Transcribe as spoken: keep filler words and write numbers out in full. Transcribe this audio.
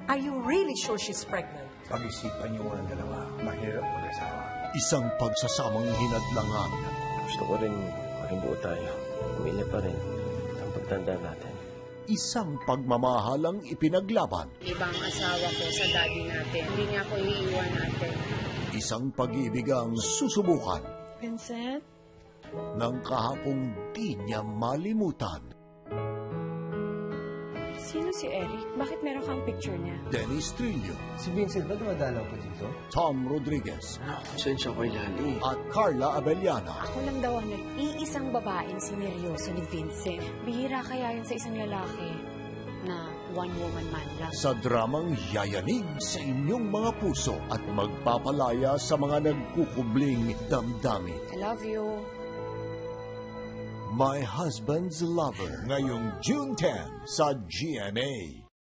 Are you really sure she's pregnant? Pag-isipan niyo ang dalawa, mahirap mag-asawa. Isang pagsasamang hinadlangan. Gusto ko rin maging buo tayo. Pamilya pa rin ang pagtanda natin. Isang pagmamahalang ipinaglaban. Ibang asawa ko sa daddy natin. Hindi niya ako iiwan natin. Isang pag-ibigang susubukan Vincent? ng kahapong di niya malimutan. Sino si Eric? Bakit meron kang picture niya? Dennis Trillo, Si Vincent ba dumadalaw pa dito? Tom Rodriguez, Sensya ko ilali. at Carla Abellana. Ako lang daw ang nag-iisang babaeng sineryoso ni Vincent. Bihira kaya yun sa isang lalaki na one-woman man lang. Sa dramang yayanig sa inyong mga puso at magpapalaya sa mga nagkukubling damdamin. I love you. My Husband's Lover, ngayong June tenth sa G M A.